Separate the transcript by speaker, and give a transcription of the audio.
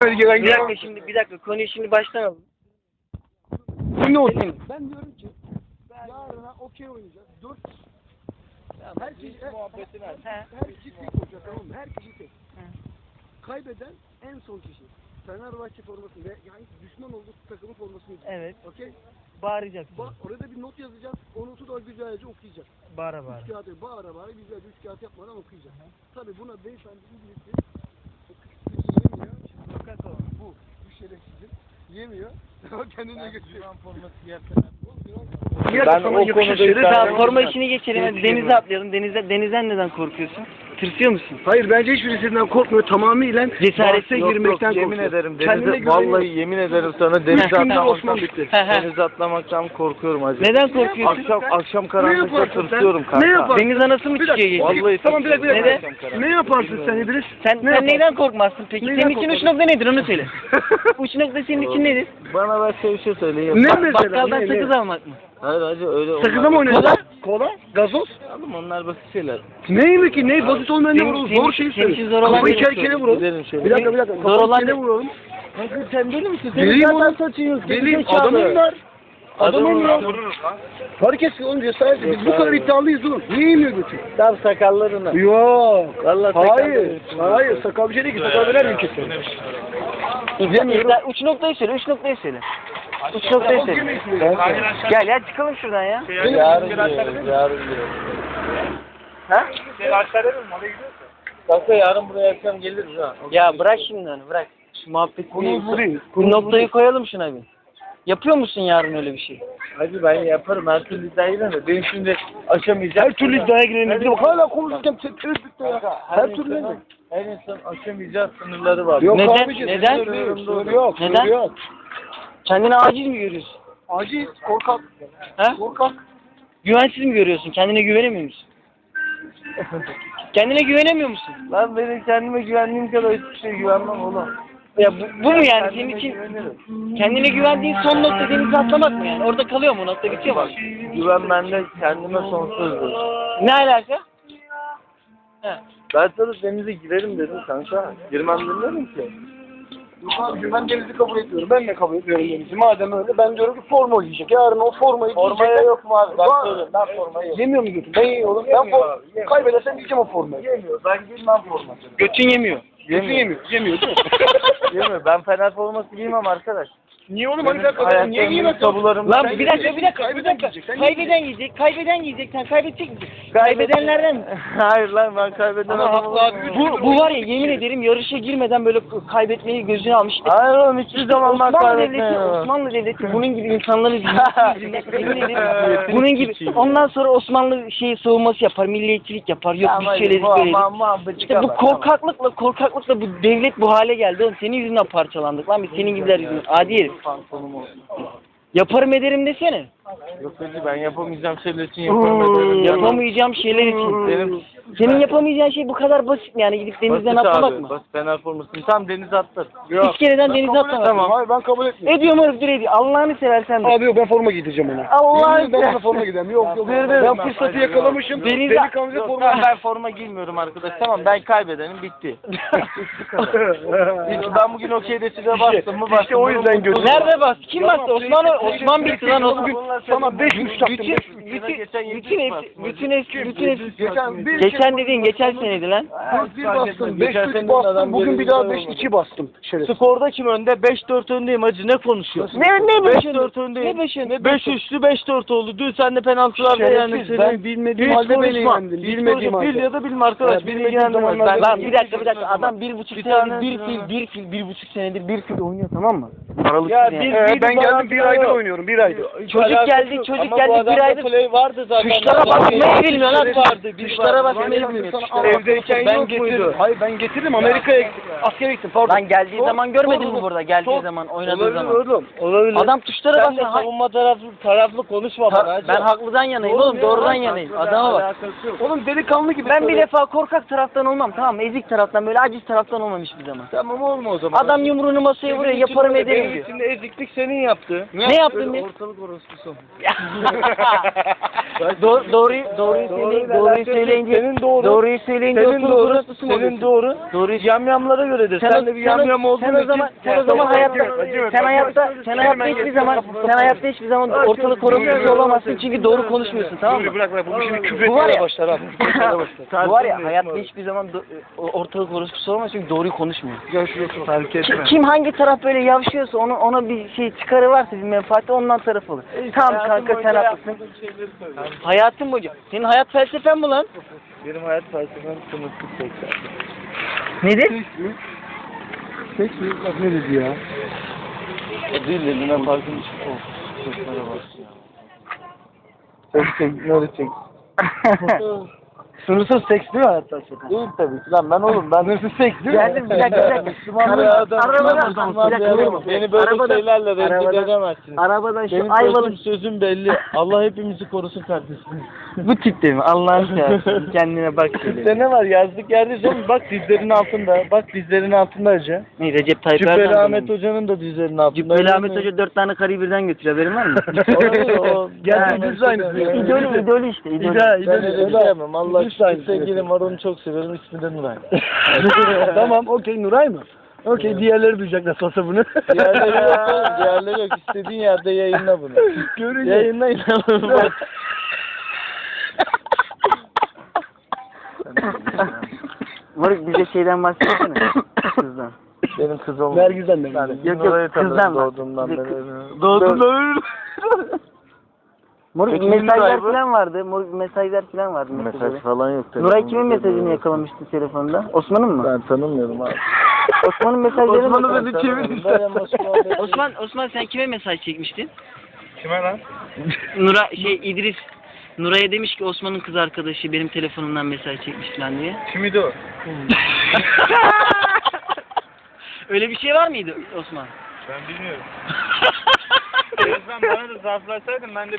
Speaker 1: Bir dakika konuyu şimdi baştan alalım.
Speaker 2: Ne oldu? Ben diyorum ki yarına okey oynayacağız. 4 her kişi tek olacak, tamam mı? Her kişi tek. Kaybeden en son kişi. Fenerbahçe formasını ve yani düşman olduğu takımın formasını giyecek.
Speaker 1: Evet.
Speaker 2: Okey?
Speaker 1: Bağıracaksın.
Speaker 2: Orada bir not yazacağız. O notu da güzelce okuyacak.
Speaker 1: Bağıra bağıra.
Speaker 2: 3 kağıt bağıra güzelce 3 kağıt yapmadan okuyacak. Tabii buna beyefendi İngilizce yemiyor. Bu şerefsizin yemiyor. Kendine götürüyor. Forması giyerken.
Speaker 1: Ben o konuda forma işini geçelim. Hadi denize atlayalım. Denizden neden korkuyorsun? Tırsıyor musun?
Speaker 2: Hayır, bence hiçbirisinden korkmuyor. Tamamıyla
Speaker 1: Cesaretle
Speaker 2: girmekten
Speaker 3: yemin
Speaker 2: korkuyor.
Speaker 3: ederim denize, vallahi yemin ederim sana denize atlamaktan korkuyorum hacı.
Speaker 1: Neden korkuyorsun?
Speaker 3: Akşam karanlıkta tırsıyorum kanka.
Speaker 2: Ne yaparsın?
Speaker 1: Deniz anası mı çıkıyor?
Speaker 3: Vallahi
Speaker 2: Tamam, bir dakika.
Speaker 1: Neden?
Speaker 2: Ne yaparsın sen İdris?
Speaker 1: Sen neyden korkmazsın peki?
Speaker 2: Neyden
Speaker 1: Senin için uç
Speaker 2: korkmazsın?
Speaker 1: nokta nedir onu söyle. Uç nokta senin için nedir?
Speaker 3: Bana başka bir şey söyleyeyim.
Speaker 2: Ne mesela?
Speaker 1: Bakkaldan
Speaker 2: Ne?
Speaker 1: sakız almak mı?
Speaker 3: Hayır hacı öyle
Speaker 2: Sakıza mı oynuyorsun? Kola? Gazoz?
Speaker 3: Oğlum onlar basit şeyler.
Speaker 2: Ne mi ki? Ne? Basit olmayan ne vuralım? Zor şey
Speaker 1: senin için
Speaker 2: söyle.
Speaker 1: zor olan
Speaker 2: Kafayı
Speaker 1: bir şey
Speaker 2: kere vuralım.
Speaker 3: Gidelim şöyle.
Speaker 2: Bir dakika.
Speaker 1: Zor
Speaker 2: Kafayı
Speaker 1: olan
Speaker 2: kere
Speaker 1: ne?
Speaker 2: vuralım.
Speaker 3: Kanka sen deli misin?
Speaker 2: Deliyim oğlum. Deliyim. Adamım var. Adamım var. Fark etsin oğlum, cesaret. Biz bu kadar iddialıyız oğlum. Niye yemiyor götür?
Speaker 3: Tam sakallarına.
Speaker 2: Yok.
Speaker 3: Vallahi
Speaker 2: Hayır. Sakal bir şey değil ki. Sakal döner mi kesin? Yemiyorum.
Speaker 1: Uç noktayı söyle. Uç noktayı söyle. Uç noktayı söyle. Gel ya çıkalım şuradan ya.
Speaker 3: Yarın gidiyorum.
Speaker 1: Ha?
Speaker 3: Kanka yarın buraya akşam geliriz ha.
Speaker 1: Ya bırak şimdi onu bırak. Şu muhabbeti bu noktayı koyalım şuna bir. Yapıyor musun yarın öyle bir şey?
Speaker 3: Hacı ben yaparım her türlü iddiayı da ben şimdi aşamayacağım.
Speaker 2: Her türlü iddiaya girelim. Bir de bak hala konuşurken tereddütte ya. Her türlü ne?
Speaker 3: Her insan aşamayacağı sınırları var.
Speaker 2: Yok
Speaker 1: Neden?
Speaker 2: abiciğim,
Speaker 1: Neden?
Speaker 2: sınır yok.
Speaker 1: Neden?
Speaker 2: Sınır yok.
Speaker 1: Kendini aciz mi görüyorsun?
Speaker 2: Aciz, korkak.
Speaker 1: Ha?
Speaker 2: Korkak.
Speaker 1: Güvensiz mi görüyorsun? Kendine güvenemiyor musun? Kendine güvenemiyor musun?
Speaker 3: Lan benim kendime güvendiğim kadar hiçbir şeye güvenmem oğlum.
Speaker 1: Ya bu mu yani senin için kendine güvendiğin son nokta denize atlamak mı yani? Orada kalıyor mu? Nokta bitiyor mu?
Speaker 3: Güven bende kendime sonsuzdur.
Speaker 1: Ne alaka? He.
Speaker 3: Ben sana denize girerim dedim kanka. Girmem demiyorum ki.
Speaker 2: Yok abiciğim, ben denizi kabul etmiyorum. Ben de kabul etmiyorum denizi. Madem öyle, ben diyorum ki forma giyecek. Yarın o formayı
Speaker 3: Formaya
Speaker 2: giyecek.
Speaker 3: yok mu abi? Ben
Speaker 2: Var.
Speaker 3: söylüyorum. Ben formayı yok.
Speaker 2: Yemiyor mu götür? Ben yiyorum. Ben kaybedersem yiyeceğim o formayı.
Speaker 3: Yemiyor. Ben giymem forması.
Speaker 1: Götün yemiyor.
Speaker 2: Götün yemiyor. Yemiyor değil mi?
Speaker 3: Yemiyor. Ben Fener forması giymem arkadaş.
Speaker 2: Niye oğlum? Hani sen kadar niye giymezsin?
Speaker 3: Tabularım.
Speaker 1: Lan bir dakika. Kaybeden giyecek. Sen kaybedecek misin? Kaybedenlerden mi?
Speaker 3: Hayır lan ben kaybeden
Speaker 2: Ama haklı abi.
Speaker 1: Bu var ya yemin ederim yarışa girmeden böyle kaybetmeyi gözüne almış.
Speaker 3: Hayır oğlum hiçbir zaman ben kaybetmiyorum.
Speaker 1: Osmanlı Devleti bunun gibi insanları yemin ederim. Bunun gibi. Ondan sonra Osmanlı savunması yapar, milliyetçilik yapar. Yok biz şöyle böyle. İşte bu korkaklıkla bu devlet bu hale geldi oğlum. Senin yüzünden parçalandık lan biz senin gibiler yüzünden. Adi herif. Yaparım ederim desene.
Speaker 3: Yok hacı ben yapamayacağım şeyler için yaparım ederim.
Speaker 1: Yapamayacağım şeyler için. Senin yapamayacağın şey bu kadar basit mi yani gidip denizden atlamak mı?
Speaker 3: Basit Fener formasını tam denize attır.
Speaker 1: Hiç kereden denize atlamak.
Speaker 2: Tamam. Hayır, ben kabul etmiyorum.
Speaker 1: Ediyorum herif ediyor. Allah'ını seversen de.
Speaker 2: Abi yok, ben forma giydireceğim ona.
Speaker 1: Allah'ını
Speaker 2: Ben ona forma gideceğim. Yok. Ben fırsatı yakalamışım. Delikanlıca forma
Speaker 3: Yok, ben forma giymiyorum arkadaş. Tamam ben kaybedenim bitti. Ben bugün okey deside bastım mı bastım.
Speaker 2: İşte o yüzden gözüm.
Speaker 1: Nerede bastı? Kim bastı? Osman bitti lan Osman.
Speaker 2: Sana 5 buçuk taktım.
Speaker 1: Geçen dediğin geçen seneydi lan.
Speaker 2: 4-1 bastım, 5-3 bastım, bugün bir daha 5-2 bastım. Şerefsiz.
Speaker 3: Skorda kim önde? 5-4 öndeyim hacı ne konuşuyorsun?
Speaker 1: Ne
Speaker 3: 5-4 öndeyim.
Speaker 1: Ne 5 önde?
Speaker 3: 5-3'lü 5-4 oldu. Dün sen de penaltılarda yani.
Speaker 2: Şerefsiz, ben bilmediğim halde beni yendin. Bilmediğim halde.
Speaker 3: Bil ya da bilme arkadaş. Beni ilgilendirmez.
Speaker 1: Lan bir dakika. Adam 1,5 senedir bir buçuk senedir bir fil oynuyor tamam mı? Aralıksız
Speaker 2: Ya
Speaker 1: yani.
Speaker 2: ben geldim 1 aydır oynuyorum, 1 aydır.
Speaker 1: Çocuk geldi bir aydır.
Speaker 3: Play vardı zaten.
Speaker 1: Tuşlara basmayı bilmiyor lan.
Speaker 3: Vardı.
Speaker 1: Tuşlara basmayı bilmiyor.
Speaker 2: Evdeyken
Speaker 3: Ben
Speaker 2: yok muydu?
Speaker 3: getirdim.
Speaker 2: Hayır, ben getirdim, Amerika'ya askere gittim, pardon.
Speaker 1: Lan geldiği zaman görmedin mi burada? Geldiği zaman oynadığı zaman.
Speaker 3: Olabilir.
Speaker 1: Adam tuşlara
Speaker 3: Sen de
Speaker 1: basıyor.
Speaker 3: savunma taraflı konuşma bana hacı.
Speaker 1: Ben haklıdan yanayım oğlum, doğrudan yanayım. Adama bak.
Speaker 2: Oğlum delikanlı gibi.
Speaker 1: Ben bir defa korkak taraftan olmam tamam mı? Ezik taraftan böyle aciz taraftan olmam hiçbir zaman.
Speaker 3: Tamam olma o zaman.
Speaker 1: Adam yumruğunu masaya vuruyor yaparım ederim
Speaker 3: Benim
Speaker 1: diyor.
Speaker 3: içinde eziklik senin yaptı.
Speaker 1: Ne yaptın ben?
Speaker 3: Ortalık orospusu
Speaker 1: Doğruyu söyleyince
Speaker 3: Senin doğru.
Speaker 1: doğruyu söyleyince
Speaker 3: Senin
Speaker 1: otur
Speaker 3: doğru.
Speaker 1: orospusu mu
Speaker 3: Senin
Speaker 1: oluyorsun?
Speaker 3: doğru.
Speaker 1: Doğruyu
Speaker 3: Yamyamlara göredir. Sen de bir yamyam olduğun için.
Speaker 1: sen o zaman hayatta hiçbir zaman ortalık korumsuz olamazsın çünkü doğru konuşmuyorsun, tamam mı?
Speaker 2: Bırak bu şimdi küfür
Speaker 1: Bu var
Speaker 2: etmeye
Speaker 1: ya-
Speaker 2: başlar abi.
Speaker 1: Bu var ya hayatta hiçbir zaman ortalık orospusu olamaz çünkü doğruyu konuşmuyor.
Speaker 2: Gel şuraya otur.
Speaker 3: Fark etme.
Speaker 1: Kim hangi taraf böyle yavşıyorsa ona bir şey çıkarı varsa bir menfaati ondan taraf olur. Tamam kanka sen haklısın. Hayatın boyunca. Senin hayat felsefen bu lan.
Speaker 3: Benim hayat felsefem sınırsız seksen.
Speaker 1: Nedir?
Speaker 2: Seks mi? Bak ne dedi ya?
Speaker 3: Değil dedim ben farkım için. Seslara bak ya. Çek ne olacak?
Speaker 2: Sınırsız seks değil mi hayatta?
Speaker 3: Değil tabii ki lan ben oğlum ben.
Speaker 2: Sınırsız seks değil mi?
Speaker 1: Geldim bir dakika.
Speaker 3: Müslüman bir adam.
Speaker 1: Arabadan- bir dakika.
Speaker 3: Beni böyle
Speaker 1: Arabadan-
Speaker 3: şeylerle rencide
Speaker 1: arabadan-
Speaker 3: edemezsiniz.
Speaker 1: Arabadan şu
Speaker 3: Benim
Speaker 1: Ayvalık
Speaker 3: sözüm belli. Allah hepimizi korusun kardeşim.
Speaker 1: bu tipte mi? Allah'ını seversen kendine bak
Speaker 3: İşte
Speaker 1: şöyle.
Speaker 3: ne var yazdık yerdeyiz oğlum. Bak dizlerin altında. Bak dizlerin altında Hacı.
Speaker 1: Ne Recep Tayyip
Speaker 3: Cübbeli
Speaker 1: Erdoğan
Speaker 3: Ahmet Hoca'nın da dizlerinin altında.
Speaker 1: Cübbeli Ahmet Hoca 4 tane karıyı birden götürüyor, haberin var mı?
Speaker 2: Gerçi biz de aynısı.
Speaker 1: İdolü işte. İdolü.
Speaker 3: Ben öyle bir şey yapmam. Allah
Speaker 2: Biz de aynı
Speaker 3: aşkına sevgilim var onu çok severim. İsmi de Nuray.
Speaker 2: Tamam okey Nuray mı? Okey diğerleri duyacak nasıl olsa bunu.
Speaker 3: Diğerleri yok oğlum. Diğerleri yok. İstediğin yerde yayınla bunu.
Speaker 2: Görünce.
Speaker 3: Yayınlayın bunu. Bak.
Speaker 1: Moruk bize şeyden bahsetsene. Kızdan.
Speaker 3: Benim kız olmadı.
Speaker 2: Vergizden de.
Speaker 1: Yok,
Speaker 3: Nuray'ı
Speaker 1: kızdan
Speaker 3: tanırım
Speaker 1: bak.
Speaker 3: doğduğumdan
Speaker 1: Bize
Speaker 3: beri.
Speaker 2: Doğduğunda
Speaker 1: Moruk
Speaker 3: Peki,
Speaker 1: mesajlar
Speaker 3: Nuray bu?
Speaker 1: falan vardı. Moruk mesajlar falan vardı.
Speaker 3: Mesaj falan yok.
Speaker 1: Nuray kimin mesajını yakalamıştı telefonda? Osman'ın mı?
Speaker 3: Ben tanımıyorum abi.
Speaker 1: Osman'ın mesajlarını
Speaker 2: Osman'ı
Speaker 1: mı?
Speaker 2: beni çevir istersen.
Speaker 1: Osman sen kime mesaj çekmiştin?
Speaker 2: Kime lan?
Speaker 1: İdris Nuray'a demiş ki Osman'ın kız arkadaşı benim telefonumdan mesaj çekmiş falan diye.
Speaker 2: Kimiydi o?
Speaker 1: Öyle bir şey var mıydı Osman?
Speaker 2: Ben bilmiyorum. Özlem bana da zarflasaydın ben de